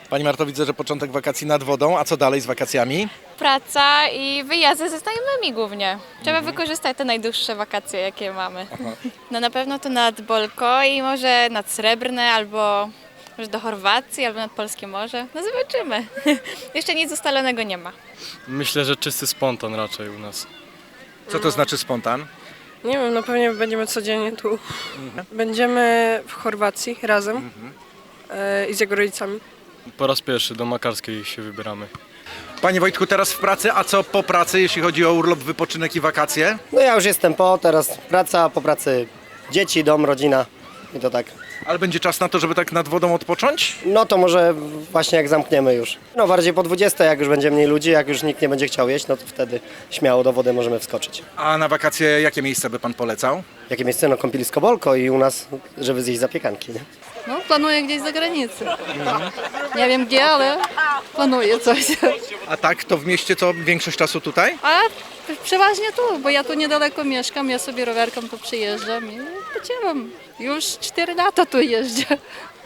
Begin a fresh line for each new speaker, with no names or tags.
Pani Marto, widzę, że początek wakacji nad wodą, a co dalej z wakacjami?
Praca i wyjazdy ze znajomymi głównie. Trzeba wykorzystać te najdłuższe wakacje, jakie mamy. No na pewno to nad Bolko i może nad Srebrne, albo może do Chorwacji, albo nad Polskie Morze. No zobaczymy. Jeszcze nic ustalonego nie ma.
Myślę, że czysty spontan raczej u nas.
Co to znaczy spontan?
Nie wiem, no pewnie będziemy codziennie tu. Będziemy w Chorwacji razem i z jego rodzicami.
Po raz pierwszy do Makarskiej się wybieramy.
Panie Wojtku, teraz w pracy, a co po pracy, jeśli chodzi o urlop, wypoczynek i wakacje?
No ja już jestem teraz praca, po pracy dzieci, dom, rodzina i to tak.
Ale będzie czas na to, żeby tak nad wodą odpocząć?
No to może właśnie jak zamkniemy już. No bardziej po 20, jak już będzie mniej ludzi, jak już nikt nie będzie chciał jeść, no to wtedy śmiało do wody możemy wskoczyć.
A na wakacje jakie miejsce by pan polecał?
Jakie miejsce? No kąpielisko Bolko i u nas, żeby zjeść zapiekanki, nie?
No, planuję gdzieś za granicę. Nie wiem gdzie, ale planuję coś.
A tak, to w mieście co, większość czasu tutaj?
A przeważnie tu, bo ja tu niedaleko mieszkam, ja sobie rowerką tu przyjeżdżam i pociągam. Już 4 lata tu jeżdżę.